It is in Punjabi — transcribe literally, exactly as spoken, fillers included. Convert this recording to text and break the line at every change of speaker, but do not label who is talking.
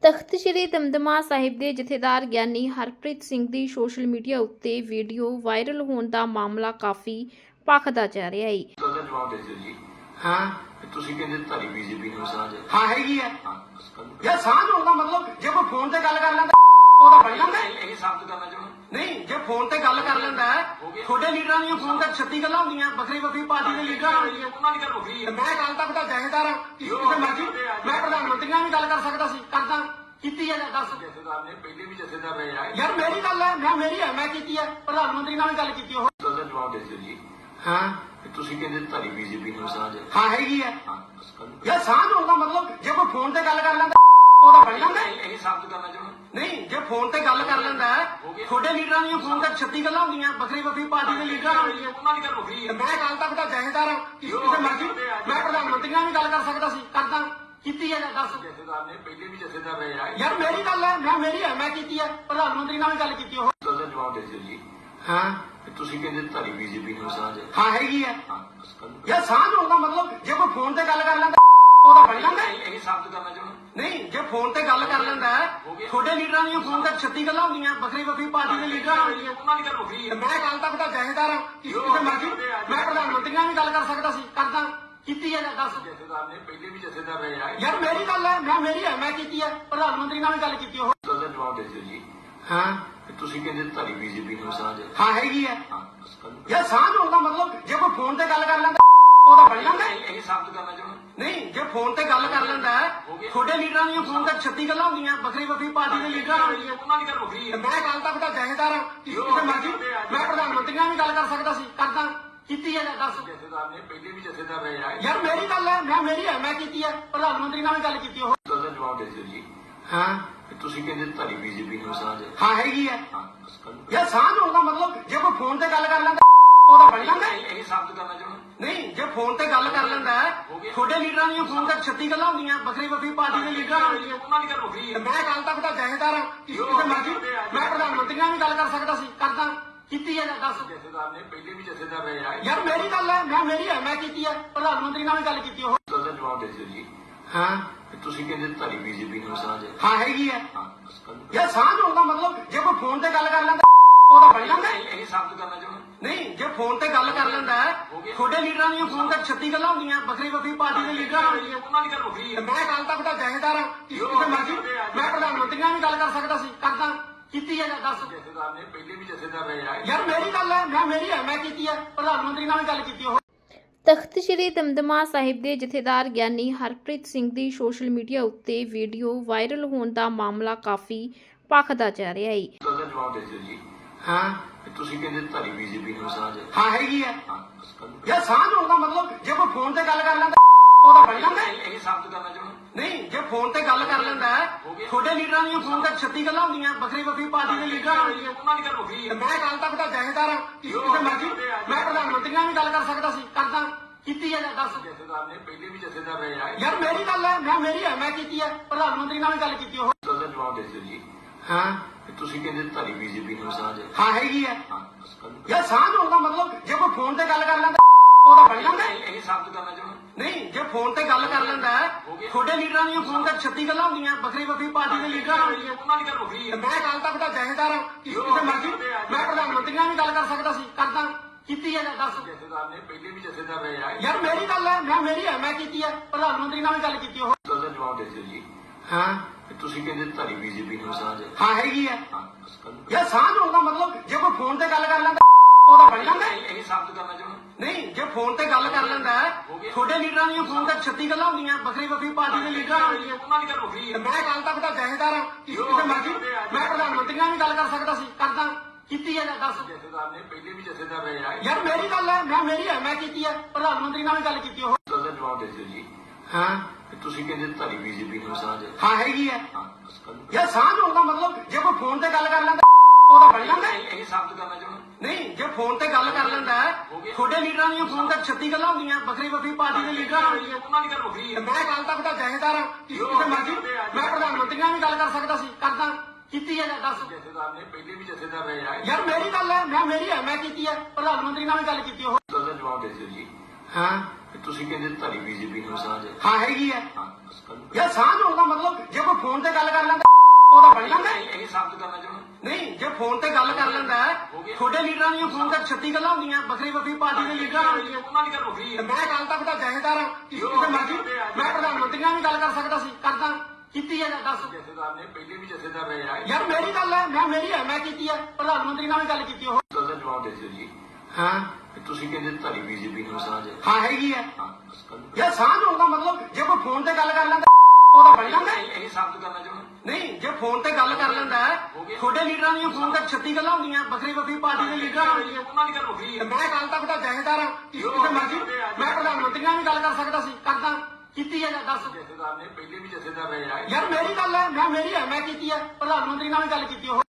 ਤਖ਼ਤ ਸ੍ਰੀ ਦਮਦਮਾ ਸਾਹਿਬ ਦੇ ਜਥੇਦਾਰ ਗਿਆਨੀ ਹਰਪ੍ਰੀਤ ਸਿੰਘ ਦੀ ਸੋਸ਼ਲ ਮੀਡੀਆ ਉੱਤੇ ਵੀਡੀਓ ਵਾਇਰਲ ਹੋਣ ਦਾ ਮਾਮਲਾ ਕਾਫੀ ਭਖਦਾ ਜਾ ਰਿਹਾ ਹੈ।
ਗੱਲ ਦਾ ਜਵਾਬ ਦੇ ਦਿਓ ਜੀ।
ਹਾਂ
ਤੇ ਤੁਸੀਂ ਕਹਿੰਦੇ ਧਾਰੀ ਬੀਜੇਪੀ ਨੂੰ ਸਾਂਝ ਹੈ।
ਹਾਂ ਹੈਗੀ ਆ
ਹਾਂ ਬਸ ਕਰ ਲਓ।
ਯਾਰ ਸਾਂਝ ਹੋਣ ਦਾ ਮਤਲਬ ਜੇ ਕੋਈ ਫੋਨ ਤੇ ਗੱਲ ਕਰ ਲੈਂਦਾ ਉਹਦਾ ਬਣ ਜਾਂਦਾ ਹੈ।
ਇਹ ਸਾਬਤ ਕਰਨਾ ਚਾਹੁੰਦਾ
ਨਹੀਂ ਜੇ ਫੋਨ ਤੇ ਗੱਲ ਕਰ ਲੈਂਦਾ ਹੈ ਤੁਹਾਡੇ ਲੀਡਰਾਂ ਦੀਆਂ ਫੋਨ ਤੇ ਛੱਤੀ ਗੱਲਾਂ ਹੁੰਦੀਆਂ ਵੱਖਰੀ ਵੱਖਰੀ ਪਾਰਟੀ ਦੇ ਲੀਡਰਾਂ ਹੁੰਦੀਆਂ।
ਉਹਨਾਂ ਦੀ ਗੱਲ ਵੱਖਰੀ
ਤੇ
ਹੈ।
ਮੈਂ ਕੱਲ ਤੱਕ ਦਾ ਜਥੇਦਾਰ ਹਾਂ ਕਿਸੇ ਕਿਸੇ ਮਰਜ਼ੀ ਮੈਂ ਪ੍ਰਧਾਨ ਮੰਤਰੀ ਨਾਲ ਵੀ ਗੱਲ ਕਰ ਸਕਦਾ ਸੀ ਕਰਦਾ ਕੀਤੀ ਹੈ ਜਾਂ ਦੱਸ
ਜਥੇਦਾਰ ਨੇ ਪਹਿਲੇ ਵੀ ਜਥੇਦਾਰ ਰਹੇ ਆ।
ਯਾਰ ਮੇਰੀ ਗੱਲ ਹੈ ਮੈਂ ਮੇਰੀ ਹੈ ਮੈਂ ਕੀਤੀ ਹੈ ਪ੍ਰਧਾਨ ਮੰਤਰੀ ਨਾਲ ਵੀ ਗੱਲ ਕੀਤੀ ਉਹ
ਗੱਲ ਦਾ ਜਵਾਬ ਦੇ ਦਿਓ ਜੀ।
ਹਾਂ
ਤੇ ਤੁਸੀਂ ਕਹਿੰਦੇ ਧਾਰੀ ਬੀਜੇਪੀ ਨੂੰ ਸਾਂਝ ਹੈ।
ਹਾਂ ਹੈਗੀ ਆ
ਹਾਂ ਬਸ ਕਰ ਲਓ।
ਯਾਰ ਸਾਂਝ ਹੋਣ ਦਾ ਮਤਲਬ ਜੇ ਕੋਈ ਫੋਨ ਤੇ ਗੱਲ ਕਰ ਲੈਂਦਾ ਉਹਦਾ ਬਣ ਜਾਂਦਾ ਹੈ।
ਇਹ ਸਾਬਤ ਕਰਨਾ ਚਾਹੁੰਦਾ
ਨਹੀਂ ਜੇ ਫੋਨ ਤੇ ਗੱਲ ਕਰ ਲੈਂਦਾ ਹੈ ਤੁਹਾਡੇ ਲੀਡਰਾਂ ਦੀਆਂ ਫੋਨ ਤੇ ਛੱਤੀ ਗੱਲਾਂ ਹੁੰਦੀਆਂ ਵੱਖਰੀ ਵੱਖਰੀ ਪਾਰਟੀ ਦੇ ਲੀਡਰਾਂ ਹੁੰਦੀਆਂ।
ਉਹਨਾਂ ਦੀ ਗੱਲ ਵੱਖਰੀ
ਤੇ
ਹੈ।
ਮੈਂ ਕੱਲ ਤੱਕ ਦਾ ਜਥੇਦਾਰ ਹਾਂ ਕਿਸੇ ਕਿਸੇ ਮਰਜ਼ੀ ਮੈਂ ਪ੍ਰਧਾਨ ਮੰਤਰੀ ਨਾਲ ਵੀ ਗੱਲ ਕਰ ਸਕਦਾ ਸੀ ਕਰਦਾ ਕੀਤੀ ਹੈ ਜਾਂ ਦੱਸ
ਜਥੇਦਾਰ ਨੇ ਪਹਿਲੇ ਵੀ ਜਥੇਦਾਰ ਰਹੇ ਆ।
ਯਾਰ ਮੇਰੀ ਗੱਲ ਹੈ ਮੈਂ ਮੇਰੀ ਹੈ ਮੈਂ ਕੀਤੀ ਹੈ ਪ੍ਰਧਾਨ ਮੰਤਰੀ ਨਾਲ ਵੀ ਗੱਲ ਕੀਤੀ ਉਹ
ਗੱਲ ਦਾ ਜਵਾਬ ਦੇ ਦਿਓ ਜੀ।
ਹਾਂ
ਤੇ ਤੁਸੀਂ ਕਹਿੰਦੇ ਧਾਰੀ ਬੀਜੇਪੀ ਨੂੰ ਸਾਂਝ ਹੈ।
ਹਾਂ ਹੈਗੀ ਆ
ਹਾਂ ਬਸ ਕਰ ਲਓ।
ਯਾਰ ਸਾਂਝ ਹੋਣ ਦਾ ਮਤਲਬ ਜੇ ਕੋਈ ਫੋਨ ਤੇ ਗੱਲ ਕਰ ਲੈਂਦਾ ਉਹਦਾ ਬਣ ਜਾਂਦਾ ਹੈ।
ਇਹ ਸਾਬਤ ਕਰਨਾ ਚਾਹੁੰਦਾ
ਨਹੀਂ ਜੇ ਫੋਨ ਤੇ ਗੱਲ ਕਰ ਲੈਂਦਾ ਹੈ ਤੁਹਾਡੇ ਲੀਡਰਾਂ ਦੀਆਂ ਫੋਨ ਤੇ ਛੱਤੀ ਗੱਲਾਂ ਹੁੰਦੀਆਂ ਵੱਖਰੀ ਵੱਖਰੀ ਪਾਰਟੀ ਦੇ ਲੀਡਰਾਂ ਹੁੰਦੀਆਂ।
ਉਹਨਾਂ ਦੀ ਗੱਲ ਵੱਖਰੀ
ਤੇ
ਹੈ।
ਮੈਂ ਕੱਲ ਤੱਕ ਦਾ ਜਥੇਦਾਰ ਹਾਂ ਕਿਸੇ ਕਿਸੇ ਮਰਜ਼ੀ ਮੈਂ ਪ੍ਰਧਾਨ ਮੰਤਰੀ ਨਾਲ ਵੀ ਗੱਲ ਕਰ ਸਕਦਾ ਸੀ ਕਰਦਾ ਕੀਤੀ ਹੈ ਜਾਂ ਦੱਸ
ਜਥੇਦਾਰ ਨੇ ਪਹਿਲੇ ਵੀ ਜਥੇਦਾਰ ਰਹੇ ਆ।
ਯਾਰ ਮੇਰੀ ਗੱਲ ਹੈ ਮੈਂ ਮੇਰੀ ਹੈ ਮੈਂ ਕੀਤੀ ਹੈ ਪ੍ਰਧਾਨ ਮੰਤਰੀ ਨਾਲ ਵੀ ਗੱਲ ਕੀਤੀ ਉਹ
ਗੱਲ ਦਾ ਜਵਾਬ ਦੇ ਦਿਓ ਜੀ।
ਹਾਂ
ਤੇ ਤੁਸੀਂ ਕਹਿੰਦੇ ਧਾਰੀ ਬੀਜੇਪੀ ਨੂੰ ਸਾਂਝ ਹੈ।
ਹਾਂ ਹੈਗੀ ਆ
ਹਾਂ ਬਸ ਕਰ ਲਓ।
ਯਾਰ ਸਾਂਝ ਹੋਣ ਦਾ ਮਤਲਬ ਜੇ ਕੋਈ ਫੋਨ ਤੇ ਗੱਲ ਕਰ ਲੈਂਦਾ ਉਹਦਾ ਬਣ ਜਾਂਦਾ ਹੈ।
ਇਹ ਸਾਬਤ ਕਰਨਾ ਚਾਹੁੰਦਾ
ਨਹੀਂ ਜੇ ਫੋਨ ਤੇ ਗੱਲ ਕਰ ਲੈਂਦਾ ਹੈ ਤੁਹਾਡੇ ਲੀਡਰਾਂ ਦੀਆਂ ਫੋਨ ਤੇ ਛੱਤੀ ਗੱਲਾਂ ਹੁੰਦੀਆਂ ਵੱਖਰੀ ਵੱਖਰੀ ਪਾਰਟੀ ਦੇ ਲੀਡਰਾਂ ਹੁੰਦੀਆਂ।
ਉਹਨਾਂ ਦੀ ਗੱਲ ਵੱਖਰੀ
ਤੇ
ਹੈ।
ਮੈਂ ਕੱਲ ਤੱਕ ਦਾ ਜਥੇਦਾਰ ਹਾਂ ਕਿਸੇ ਕਿਸੇ ਮਰਜ਼ੀ ਮੈਂ ਪ੍ਰਧਾਨ ਮੰਤਰੀ ਨਾਲ ਵੀ ਗੱਲ ਕਰ ਸਕਦਾ ਸੀ ਕਰਦਾ ਕੀਤੀ ਹੈ ਜਾਂ ਦੱਸ
ਜਥੇਦਾਰ ਨੇ ਪਹਿਲੇ ਵੀ ਜਥੇਦਾਰ ਰਹੇ ਆ।
ਯਾਰ ਮੇਰੀ ਗੱਲ ਹੈ ਮੈਂ ਮੇਰੀ ਹੈ ਮੈਂ ਕੀਤੀ ਹੈ ਪ੍ਰਧਾਨ ਮੰਤਰੀ ਨਾਲ ਵੀ ਗੱਲ ਕੀਤੀ ਉਹ
ਗੱਲ ਦਾ ਜਵਾਬ ਦੇ ਦਿਓ ਜੀ।
ਹਾਂ
ਤੇ ਤੁਸੀਂ ਕਹਿੰਦੇ ਧਾਰੀ ਬੀਜੇਪੀ ਨੂੰ ਸਾਂਝ ਹੈ।
ਹਾਂ ਹੈਗੀ ਆ
ਹਾਂ ਬਸ ਕਰ ਲਓ।
ਯਾਰ ਸਾਂਝ ਹੋਣ ਦਾ ਮਤਲਬ ਜੇ ਕੋਈ ਫੋਨ ਤੇ ਗੱਲ ਕਰ ਲੈਂਦਾ ਉਹਦਾ ਬਣ ਜਾਂਦਾ ਹੈ।
ਇਹ ਸਾਬਤ ਕਰਨਾ ਚਾਹੁੰਦਾ
ਨਹੀਂ ਜੇ ਫੋਨ ਤੇ ਗੱਲ ਕਰ ਲੈਂਦਾ ਹੈ ਤੁਹਾਡੇ ਲੀਡਰਾਂ ਦੀਆਂ ਫੋਨ ਤੇ ਛੱਤੀ ਗੱਲਾਂ ਹੁੰਦੀਆਂ ਵੱਖਰੀ ਵੱਖਰੀ ਪਾਰਟੀ ਦੇ ਲੀਡਰਾਂ ਹੁੰਦੀਆਂ।
ਉਹਨਾਂ ਦੀ ਗੱਲ ਵੱਖਰੀ
ਤੇ
ਹੈ।
ਮੈਂ ਕੱਲ ਤੱਕ ਦਾ ਜਥੇਦਾਰ ਹਾਂ ਕਿਸੇ ਕਿਸੇ ਮਰਜ਼ੀ ਮੈਂ ਪ੍ਰਧਾਨ ਮੰਤਰੀ ਨਾਲ ਵੀ ਗੱਲ ਕਰ ਸਕਦਾ ਸੀ ਕਰਦਾ ਕੀਤੀ ਹੈ ਜਾਂ ਦੱਸ
ਜਥੇਦਾਰ ਨੇ ਪਹਿਲੇ ਵੀ ਜਥੇਦਾਰ ਰਹੇ ਆ।
ਯਾਰ ਮੇਰੀ ਗੱਲ ਹੈ ਮੈਂ ਮੇਰੀ ਹੈ ਮੈਂ ਕੀਤੀ ਹੈ ਪ੍ਰਧਾਨ ਮੰਤਰੀ ਨਾਲ ਵੀ ਗੱਲ ਕੀਤੀ ਉਹ
ਗੱਲ ਦਾ ਜਵਾਬ ਦੇ ਦਿਓ ਜੀ।
ਹਾਂ
ਤੇ ਤੁਸੀਂ ਕਹਿੰਦੇ ਧਾਰੀ ਬੀਜੇਪੀ ਨੂੰ ਸਾਂਝ ਹੈ।
ਹਾਂ ਹੈਗੀ ਆ
ਹਾਂ ਬਸ ਕਰ ਲਓ।
ਯਾਰ ਸਾਂਝ ਹੋਣ ਦਾ ਮਤਲਬ ਜੇ ਕੋਈ ਫੋਨ ਤੇ ਗੱਲ ਕਰ ਲੈਂਦਾ ਉਹਦਾ ਬਣ ਜਾਂਦਾ ਹੈ।
ਇਹ ਸਾਬਤ ਕਰਨਾ ਚਾਹੁੰਦਾ
ਨਹੀਂ ਜੇ ਫੋਨ ਤੇ ਗੱਲ ਕਰ ਲੈਂਦਾ ਹੈ ਤੁਹਾਡੇ ਲੀਡਰਾਂ ਦੀਆਂ ਫੋਨ ਤੇ ਛੱਤੀ ਗੱਲਾਂ ਹੁੰਦੀਆਂ ਵੱਖਰੀ ਵੱਖਰੀ ਪਾਰਟੀ ਦੇ ਲੀਡਰਾਂ ਹੁੰਦੀਆਂ।
ਉਹਨਾਂ ਦੀ ਗੱਲ ਵੱਖਰੀ
ਤੇ
ਹੈ।
ਮੈਂ ਕੱਲ ਤੱਕ ਦਾ ਜਥੇਦਾਰ ਹਾਂ ਕਿਸੇ ਕਿਸੇ ਮਰਜ਼ੀ ਮੈਂ ਪ੍ਰਧਾਨ ਮੰਤਰੀ ਨਾਲ ਵੀ ਗੱਲ ਕਰ ਸਕਦਾ ਸੀ ਕਰਦਾ ਕੀਤੀ ਹੈ ਜਾਂ ਦੱਸ
ਜਥੇਦਾਰ ਨੇ ਪਹਿਲੇ ਵੀ ਜਥੇਦਾਰ ਰਹੇ ਆ।
ਯਾਰ ਮੇਰੀ ਗੱਲ ਹੈ ਮੈਂ ਮੇਰੀ ਹੈ ਮੈਂ ਕੀਤੀ ਹੈ ਪ੍ਰਧਾਨ ਮੰਤਰੀ ਨਾਲ ਵੀ ਗੱਲ ਕੀਤੀ ਉਹ
ਤਖ਼ਤ ਸ੍ਰੀ ਦਮਦਮਾ ਸਾਹਿਬ ਦੇ ਜਥੇਦਾਰ ਗਿਆਨੀ ਹਰਪ੍ਰੀਤ ਸਿੰਘ ਦੀ ਸੋਸ਼ਲ ਮੀਡੀਆ ਉੱਤੇ ਵੀਡੀਓ ਵਾਇਰਲ ਹੋਣ ਦਾ ਮਾਮਲਾ ਕਾਫੀ ਭਖਦਾ ਜਾ ਰਿਹਾ ਹੈ।
ਗੱਲ ਦਾ ਜਵਾਬ ਦੇ ਦਿਓ ਜੀ।
ਹਾਂ
ਤੇ ਤੁਸੀਂ ਕਹਿੰਦੇ ਧਾਰੀ ਬੀਜੇਪੀ ਨੂੰ ਸਾਂਝ ਹੈ।
ਹਾਂ ਹੈਗੀ ਆ
ਹਾਂ ਬਸ ਕਰ ਲਓ।
ਯਾਰ ਸਾਂਝ ਹੋਣ ਦਾ ਮਤਲਬ ਜੇ ਕੋਈ ਫੋਨ ਤੇ ਗੱਲ ਕਰ ਲੈਂਦਾ ਉਹਦਾ ਬਣ ਜਾਂਦਾ ਹੈ।
ਇਹ ਸਾਬਤ ਕਰਨਾ ਚਾਹੁੰਦਾ
ਨਹੀਂ ਜੇ ਫੋਨ ਤੇ ਗੱਲ ਕਰ ਲੈਂਦਾ ਹੈ ਤੁਹਾਡੇ ਲੀਡਰਾਂ ਦੀਆਂ ਫੋਨ ਤੇ ਛੱਤੀ ਗੱਲਾਂ ਹੁੰਦੀਆਂ ਵੱਖਰੀ ਵੱਖਰੀ ਪਾਰਟੀ ਦੇ ਲੀਡਰਾਂ ਹੁੰਦੀਆਂ।
ਉਹਨਾਂ ਦੀ ਗੱਲ ਵੱਖਰੀ
ਤੇ
ਹੈ।
ਮੈਂ ਕੱਲ ਤੱਕ ਦਾ ਜਥੇਦਾਰ ਹਾਂ ਕਿਸੇ ਕਿਸੇ ਮਰਜ਼ੀ ਮੈਂ ਪ੍ਰਧਾਨ ਮੰਤਰੀ ਨਾਲ ਵੀ ਗੱਲ ਕਰ ਸਕਦਾ ਸੀ ਕਰਦਾ ਕੀਤੀ ਹੈ ਜਾਂ ਦੱਸ
ਜਥੇਦਾਰ ਨੇ ਪਹਿਲੇ ਵੀ ਜਥੇਦਾਰ ਰਹੇ ਆ।
ਯਾਰ ਮੇਰੀ ਗੱਲ ਹੈ ਮੈਂ ਮੇਰੀ ਹੈ ਮੈਂ ਕੀਤੀ ਹੈ ਪ੍ਰਧਾਨ ਮੰਤਰੀ ਨਾਲ ਵੀ ਗੱਲ ਕੀਤੀ ਉਹ
ਗੱਲ ਦਾ ਜਵਾਬ ਦੇ ਦਿਓ ਜੀ।
ਹਾਂ
ਤੇ ਤੁਸੀਂ ਕਹਿੰਦੇ ਧਾਰੀ ਬੀਜੇਪੀ ਨੂੰ ਸਾਂਝ ਹੈ।
ਹਾਂ ਹੈਗੀ ਆ
ਹਾਂ ਬਸ ਕਰ ਲਓ।
ਯਾਰ ਸਾਂਝ ਹੋਣ ਦਾ ਮਤਲਬ ਜੇ ਕੋਈ ਫੋਨ ਤੇ ਗੱਲ ਕਰ ਲੈਂਦਾ ਉਹਦਾ ਬਣ ਜਾਂਦਾ ਹੈ।
ਇਹ ਸਾਬਤ ਕਰਨਾ ਚਾਹੁੰਦਾ
ਨਹੀਂ ਜੇ ਫੋਨ ਤੇ ਗੱਲ ਕਰ ਲੈਂਦਾ ਹੈ ਤੁਹਾਡੇ ਲੀਡਰਾਂ ਦੀਆਂ ਫੋਨ ਤੇ ਛੱਤੀ ਗੱਲਾਂ ਹੁੰਦੀਆਂ ਵੱਖਰੀ ਵੱਖਰੀ ਪਾਰਟੀ ਦੇ ਲੀਡਰਾਂ ਹੁੰਦੀਆਂ।
ਉਹਨਾਂ ਦੀ ਗੱਲ ਵੱਖਰੀ
ਤੇ
ਹੈ।
ਮੈਂ ਕੱਲ ਤੱਕ ਦਾ ਜਥੇਦਾਰ ਹਾਂ ਕਿਸੇ ਕਿਸੇ ਮਰਜ਼ੀ ਮੈਂ ਪ੍ਰਧਾਨ ਮੰਤਰੀ ਨਾਲ ਵੀ ਗੱਲ ਕਰ ਸਕਦਾ ਸੀ ਕਰਦਾ ਕੀਤੀ ਹੈ ਜਾਂ ਦੱਸ
ਜਥੇਦਾਰ ਨੇ ਪਹਿਲੇ ਵੀ ਜਥੇਦਾਰ ਰਹੇ ਆ।
ਯਾਰ ਮੇਰੀ ਗੱਲ ਹੈ ਮੈਂ ਮੇਰੀ ਹੈ ਮੈਂ ਕੀਤੀ ਹੈ ਪ੍ਰਧਾਨ ਮੰਤਰੀ ਨਾਲ ਵੀ ਗੱਲ ਕੀਤੀ ਉਹ
ਗੱਲ ਦਾ ਜਵਾਬ ਦੇ ਦਿਓ ਜੀ।
ਹਾਂ
ਤੇ ਤੁਸੀਂ ਕਹਿੰਦੇ ਧਾਰੀ ਬੀਜੇਪੀ ਨੂੰ ਸਾਂਝ ਹੈ।
ਹਾਂ ਹੈਗੀ ਆ
ਹਾਂ ਬਸ ਕਰ ਲਓ।
ਯਾਰ ਸਾਂਝ ਹੋਣ ਦਾ ਮਤਲਬ ਜੇ ਕੋਈ ਫੋਨ ਤੇ ਗੱਲ ਕਰ ਲੈਂਦਾ ਉਹਦਾ ਬਣ ਜਾਂਦਾ ਹੈ।
ਇਹ ਸਾਬਤ ਕਰਨਾ ਚਾਹੁੰਦਾ
ਨਹੀਂ ਜੇ ਫੋਨ ਤੇ ਗੱਲ ਕਰ ਲੈਂਦਾ ਹੈ ਤੁਹਾਡੇ ਲੀਡਰਾਂ ਦੀਆਂ ਫੋਨ ਤੇ ਛੱਤੀ ਗੱਲਾਂ ਹੁੰਦੀਆਂ ਵੱਖਰੀ ਵੱਖਰੀ ਪਾਰਟੀ ਦੇ ਲੀਡਰਾਂ ਹੁੰਦੀਆਂ।
ਉਹਨਾਂ ਦੀ ਗੱਲ ਵੱਖਰੀ
ਤੇ
ਹੈ।
ਮੈਂ ਕੱਲ ਤੱਕ ਦਾ ਜਥੇਦਾਰ ਹਾਂ ਕਿਸੇ ਕਿਸੇ ਮਰਜ਼ੀ ਮੈਂ ਪ੍ਰਧਾਨ ਮੰਤਰੀ ਨਾਲ ਵੀ ਗੱਲ ਕਰ ਸਕਦਾ ਸੀ ਕਰਦਾ ਕੀਤੀ ਹੈ ਜਾਂ ਦੱਸ
ਜਥੇਦਾਰ ਨੇ ਪਹਿਲੇ ਵੀ ਜਥੇਦਾਰ ਰਹੇ ਆ।
ਯਾਰ ਮੇਰੀ ਗੱਲ ਹੈ ਮੈਂ ਮੇਰੀ ਹੈ ਮੈਂ ਕੀਤੀ ਹੈ ਪ੍ਰਧਾਨ ਮੰਤਰੀ ਨਾਲ ਵੀ ਗੱਲ ਕੀਤੀ ਉਹ
ਗੱਲ ਦਾ ਜਵਾਬ ਦੇ ਦਿਓ ਜੀ।
ਹਾਂ
ਤੇ ਤੁਸੀਂ ਕਹਿੰਦੇ ਧਾਰੀ ਬੀਜੇਪੀ ਨੂੰ ਸਾਂਝ ਹੈ।
ਹਾਂ ਹੈਗੀ ਆ
ਹਾਂ ਬਸ ਕਰ ਲਓ।
ਯਾਰ ਸਾਂਝ ਹੋਣ ਦਾ ਮਤਲਬ ਜੇ ਕੋਈ ਫੋਨ ਤੇ ਗੱਲ ਕਰ ਲੈਂਦਾ ਉਹਦਾ ਬਣ ਜਾਂਦਾ ਹੈ।
ਇਹ ਸਾਬਤ ਕਰਨਾ ਚਾਹੁੰਦਾ
ਨਹੀਂ ਜੇ ਫੋਨ ਤੇ ਗੱਲ ਕਰ ਲੈਂਦਾ ਹੈ ਤੁਹਾਡੇ ਲੀਡਰਾਂ ਦੀਆਂ ਫੋਨ ਤੇ ਛੱਤੀ ਗੱਲਾਂ ਹੁੰਦੀਆਂ ਵੱਖਰੀ ਵੱਖਰੀ ਪਾਰਟੀ ਦੇ ਲੀਡਰਾਂ ਹੁੰਦੀਆਂ।
ਉਹਨਾਂ ਦੀ ਗੱਲ ਵੱਖਰੀ
ਤੇ
ਹੈ।
ਮੈਂ ਕੱਲ ਤੱਕ ਦਾ ਜਥੇਦਾਰ ਹਾਂ ਕਿਸੇ ਕਿਸੇ ਮਰਜ਼ੀ ਮੈਂ ਪ੍ਰਧਾਨ ਮੰਤਰੀ ਨਾਲ ਵੀ ਗੱਲ ਕਰ ਸਕਦਾ ਸੀ ਕਰਦਾ ਕੀਤੀ ਹੈ ਜਾਂ ਦੱਸ
ਜਥੇਦਾਰ ਨੇ ਪਹਿਲੇ ਵੀ ਜਥੇਦਾਰ ਰਹੇ ਆ।
ਯਾਰ ਮੇਰੀ ਗੱਲ ਹੈ ਮੈਂ ਮੇਰੀ ਹੈ ਮੈਂ ਕੀਤੀ ਹੈ ਪ੍ਰਧਾਨ ਮੰਤਰੀ ਨਾਲ ਵੀ ਗੱਲ ਕੀਤੀ ਉਹ
ਗੱਲ ਦਾ ਜਵਾਬ ਦੇ ਦਿਓ ਜੀ।
ਹਾਂ
ਤੇ ਤੁਸੀਂ ਕਹਿੰਦੇ ਧਾਰੀ ਬੀਜੇਪੀ ਨੂੰ ਸਾਂਝ ਹੈ।
ਹਾਂ ਹੈਗੀ ਆ
ਹਾਂ ਬਸ ਕਰ ਲਓ।
ਯਾਰ ਸਾਂਝ ਹੋਣ ਦਾ ਮਤਲਬ ਜੇ ਕੋਈ ਫੋਨ ਤੇ ਗੱਲ ਕਰ ਲੈਂਦਾ ਲੀਡਰਾਂ ਦੀਆਂ ਫੋਨ ਤੇ ਛੱਤੀ ਗੱਲਾਂ ਹੁੰਦੀਆਂ ਵੱਖਰੀ ਵੱਖਰੀ ਪਾਰਟੀ ਦੇ ਲੀਡਰਾਂ ਨਾਲ ਹੁੰਦੀਆਂ
ਉਹਨਾਂ ਦੀ ਗੱਲ ਹੋ ਗਈ
ਤੇ ਮੈਂ ਕੱਲ ਤੱਕ ਦਾ ਜਥੇਦਾਰ ਹਾਂ ਕਿਸੇ ਕਿਸੇ ਮਰਜ਼ੀ ਮੈਂ ਪ੍ਰਧਾਨ ਮੰਤਰੀ ਨਾਲ ਵੀ ਗੱਲ ਕਰ ਸਕਦਾ ਸੀ ਕਰਦਾ ਕੀਤੀ ਹੈ ਜਾਂ ਦੱਸ
ਜਥੇਦਾਰ ਨੇ ਪਹਿਲੇ ਵੀ ਜਥੇਦਾਰ ਰਹੇ ਆ
ਯਾਰ ਮੇਰੀ ਗੱਲ ਹੈ ਮੈਂ ਮੇਰੀ ਹੈ ਮੈਂ ਕੀਤੀ ਹੈ ਪ੍ਰਧਾਨ ਮੰਤਰੀ ਨਾਲ ਵੀ ਗੱਲ ਕੀਤੀ ਉਹ
ਗੱਲ ਦਾ ਜਵਾਬ ਦੇ ਦਿਓ ਜੀ
ਹਾਂ
ਤੁਸੀਂ ਕਹਿੰਦੇ ਤੁਹਾਡੀ ਬੀਜੇਪੀ ਨੂੰ ਸਾਂਝ ਹੈ
ਹਾਂ ਹੈਗੀ ਹੈ
ਹਾਂ ਬਸ ਕਰ
ਯਾਰ ਸਾਂਝ ਹੋਣ ਦਾ ਮਤਲਬ ਜੇ ਕੋਈ ਫੋਨ ਤੇ ਗੱਲ ਕਰ ਲੈਂਦਾ ਉਹਦਾ ਬਣ ਜਾਂਦਾ ਹੈ।
ਇਹ ਸਾਬਤ ਕਰਨਾ ਚਾਹੁੰਦਾ
ਨਹੀਂ ਜੇ ਫੋਨ ਤੇ ਗੱਲ ਕਰ ਲੈਂਦਾ ਹੈ ਤੁਹਾਡੇ ਲੀਡਰਾਂ ਦੀਆਂ ਫੋਨ ਤੇ ਛੱਤੀ ਗੱਲਾਂ ਹੁੰਦੀਆਂ ਵੱਖਰੀ ਵੱਖਰੀ ਪਾਰਟੀ ਦੇ ਲੀਡਰਾਂ ਨਾਲ ਹੁੰਦੀਆਂ
ਉਹਨਾਂ ਦੀ ਗੱਲ ਹੋ ਗਈ
ਤੇ ਮੈਂ ਕੱਲ ਤੱਕ ਦਾ ਜਥੇਦਾਰ ਹਾਂ ਕਿਸੇ ਕਿਸੇ ਮਰਜ਼ੀ ਮੈਂ ਪ੍ਰਧਾਨ ਮੰਤਰੀ ਨਾਲ ਵੀ ਗੱਲ ਕਰ ਸਕਦਾ ਸੀ ਕਰਦਾ ਕੀਤੀ ਹੈ ਜਾਂ ਦੱਸ
ਜਥੇਦਾਰ ਨੇ ਪਹਿਲੇ ਵੀ ਜਥੇਦਾਰ ਰਹੇ ਆ
ਯਾਰ ਮੇਰੀ ਗੱਲ ਹੈ ਮੈਂ ਮੇਰੀ ਹੈ ਮੈਂ ਕੀਤੀ ਹੈ ਪ੍ਰਧਾਨ ਮੰਤਰੀ ਨਾਲ ਵੀ ਗੱਲ ਕੀਤੀ ਉਹ